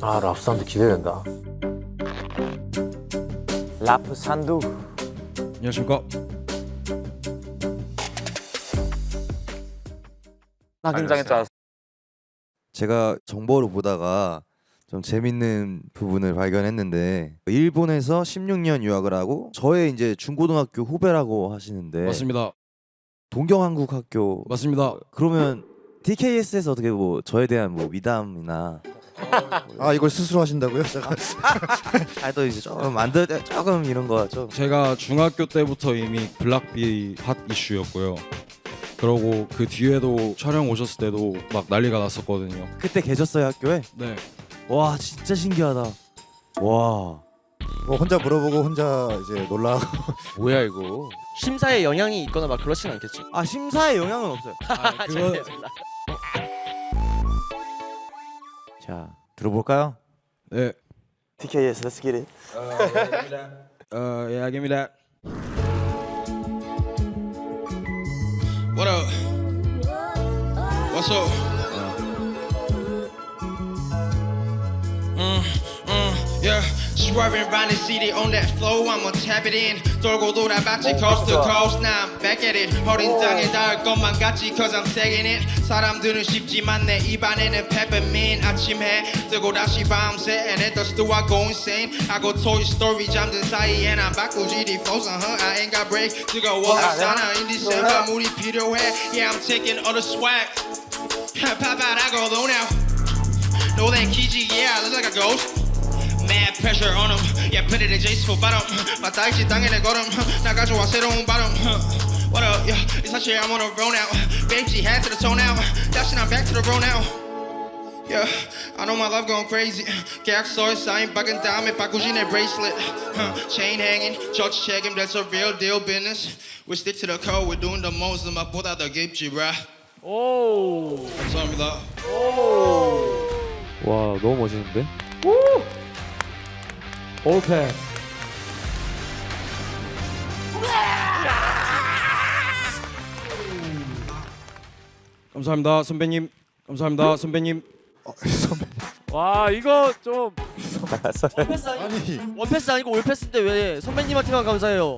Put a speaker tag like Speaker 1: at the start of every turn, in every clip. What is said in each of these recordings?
Speaker 1: 아, 라프 산두 기대된다. 라프 산두.
Speaker 2: 안녕하십니까.
Speaker 1: 나 긴장했잖아.
Speaker 3: 제가 정보를 보다가 좀 재밌는 부분을 발견했는데 일본에서 16년 유학을 하고 저의 이제 중고등학교 후배라고 하시는데
Speaker 2: 맞습니다.
Speaker 3: 동경한국학교
Speaker 2: 맞습니다.
Speaker 3: 그러면 DKS에서 어떻게 뭐 저에 대한 뭐 미담이나
Speaker 4: 아 이걸 스스로 하신다고요? 제가
Speaker 3: 또 이제 조금 이런 거 좀
Speaker 2: 제가 중학교 때부터 이미 블락비 핫 이슈였고요. 그러고 그 뒤에도 촬영 오셨을 때도 막 난리가 났었거든요.
Speaker 3: 그때 계셨어요 학교에?
Speaker 2: 네.
Speaker 3: 와 진짜 신기하다. 와
Speaker 4: 뭐 혼자 물어보고 혼자 이제 놀라고
Speaker 1: 뭐야 이거?
Speaker 5: 심사에 영향이 있거나 막 그렇진 않겠지.
Speaker 3: 아 심사에 영향은 없어요.
Speaker 2: 그거
Speaker 3: 자 들어볼까요?
Speaker 2: 네.
Speaker 1: TKS, let's get it.
Speaker 2: Yeah, give me that. What up? What's up? Yeah, swerving round the city on that flow. I'ma tap it in. 돌고 돌아봤지 coast to coast. Now I'm back at it. 어린 땅에 닿을 것만 같지 cause I'm taking it. 사람들은 쉽지만 내 입안에는 peppermint. 아침 해 뜨고 다시 밤새 and it does do I go insane. I go Toy Story 잠든 사이에 난 바꾸지 네 flows. I ain't got break. 뜨거워 sana in December 물이 필요해. Yeah, I'm taking all the swag. Pop out, I go low now. No that Kiji, yeah, I look like a ghost. Mad pressure on him, yeah, put it in J's for bottom. 마땅히 땅에 내 걸음, 나 가져와 새로운 발음. What up, yeah, it's not shit, I'm on a roll now. Baby, head to the toe now. Dashing, I'm back to the road now. Yeah, I know my love going crazy. 계약서에 사인 박은 다음에 바꾸지 내 bracelet. Chain hanging, church checking, that's a real deal business. We stick to the code, we're doing the most. 음악보다 더 깊지, bruh. 오, 감사합니다.
Speaker 1: 와, 너무 멋있는데? 올패.
Speaker 2: 감사합니다, 선배님. 감사합니다, 선배님.
Speaker 4: 선배
Speaker 1: 와, 이거 좀
Speaker 4: 아니
Speaker 5: 원패스 아니고 올패스인데 왜 선배님한테만 감사해요?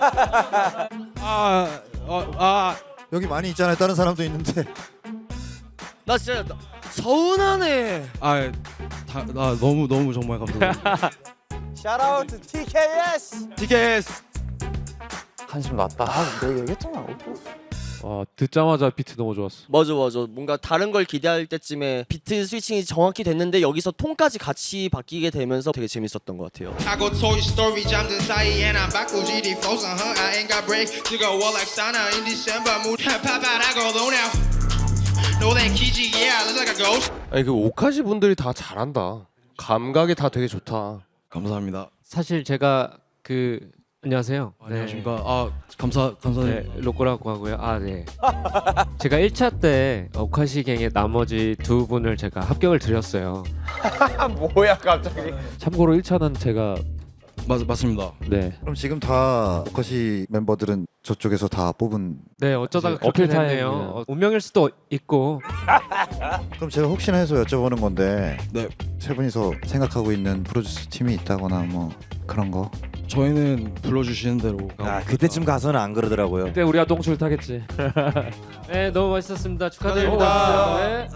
Speaker 4: 여기 많이 있잖아요. 다른 사람도 있는데
Speaker 5: 나 진짜 서운하네.
Speaker 2: 나 너무 정말 감사합니다.
Speaker 1: 샤라우트 TKS.
Speaker 2: TKS.
Speaker 1: 한심 났다. 내가 얘기했잖아. 듣자마자 비트 너무 좋았어.
Speaker 5: 맞아. 뭔가 다른 걸 기대할 때쯤에 비트 스위칭이 정확히 됐는데 여기서 톤까지 같이 바뀌게 되면서 되게 재밌었던 것 같아요.
Speaker 2: I go Toy Story 잠든 사이에 난 바꾸지 네 flows. I ain't got break. 뜨거워 like sauna in December. mood. Pop out, I go low now. No that Kiji, yeah, I look like a ghost.
Speaker 6: 아니 그 오카시 분들이 다 잘한다. 감각이 다 되게 좋다.
Speaker 2: 감사합니다.
Speaker 7: 사실 제가 안녕하세요.
Speaker 2: 안녕하십니까. 감사드립니다.
Speaker 7: 네, 로꼬라고 하고요. 네. 제가 1차 때 오카시갱의 나머지 두 분을 제가 합격을 드렸어요.
Speaker 1: 뭐야 갑자기?
Speaker 8: 참고로 1차는 제가
Speaker 2: 맞습니다.
Speaker 8: 네
Speaker 4: 그럼 지금 다 오커시 멤버들은 저쪽에서 다 뽑은.
Speaker 7: 네, 어쩌다가
Speaker 8: 이제 어필
Speaker 7: 그렇게 됐네요.
Speaker 8: 타임이네요.
Speaker 7: 운명일 수도 있고.
Speaker 4: 그럼 제가 혹시나 해서 여쭤보는 건데
Speaker 2: 네.
Speaker 4: 세 분이서 생각하고 있는 프로듀스 팀이 있다거나 뭐 그런 거.
Speaker 2: 저희는 불러주시는 대로.
Speaker 3: 그때쯤 가서는 안 그러더라고요.
Speaker 8: 그때 우리가 똥줄 타겠지.
Speaker 7: 네, 너무 멋있었습니다.
Speaker 2: 축하드립니다.
Speaker 7: 축하드립니다. 네.